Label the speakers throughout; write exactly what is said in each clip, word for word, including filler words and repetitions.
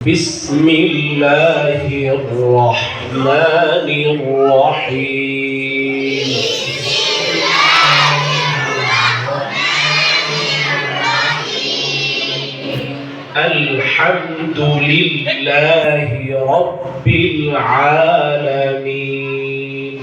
Speaker 1: بسم الله الرحمن الرحيم الحمد لله رب العالمين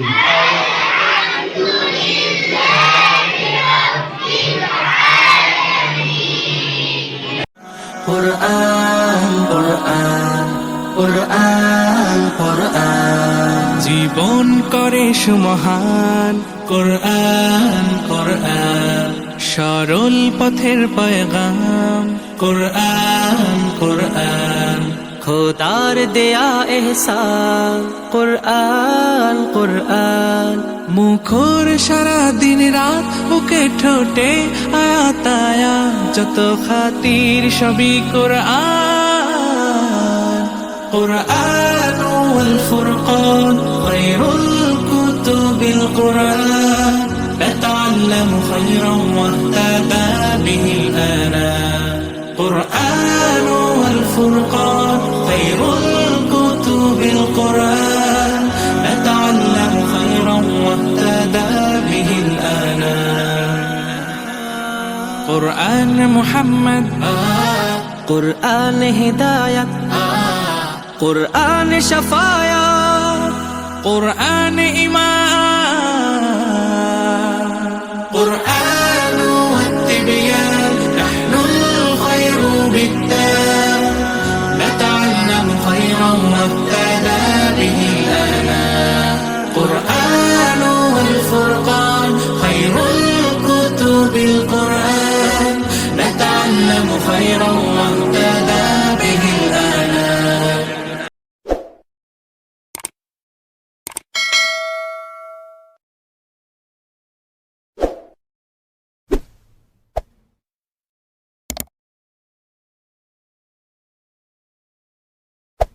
Speaker 2: قرآن قرآن قرآن قرآن জীবন করে সুমহান কোরআন কোরআন সরল পথের পয়গাম কোরআন কোরআন খোদার দেয়া এহসান কোরআন কোরআন মুখর সারা দিন রাত বুকে ঠোঁটে আয়াত আয়াত যত খাতির সবই কোরআন কোরআন ওয়াল ফুরকান খায়রুল কুতুবিল কোরআন نتعلم خيرا واهتدى به الآنام قرآن والفرقان خير الكتب القرآن نتعلم خيرا واهتدى به الآنام قرآن محمد آه قرآن هداية آه قرآن شفاية قرآن إيمان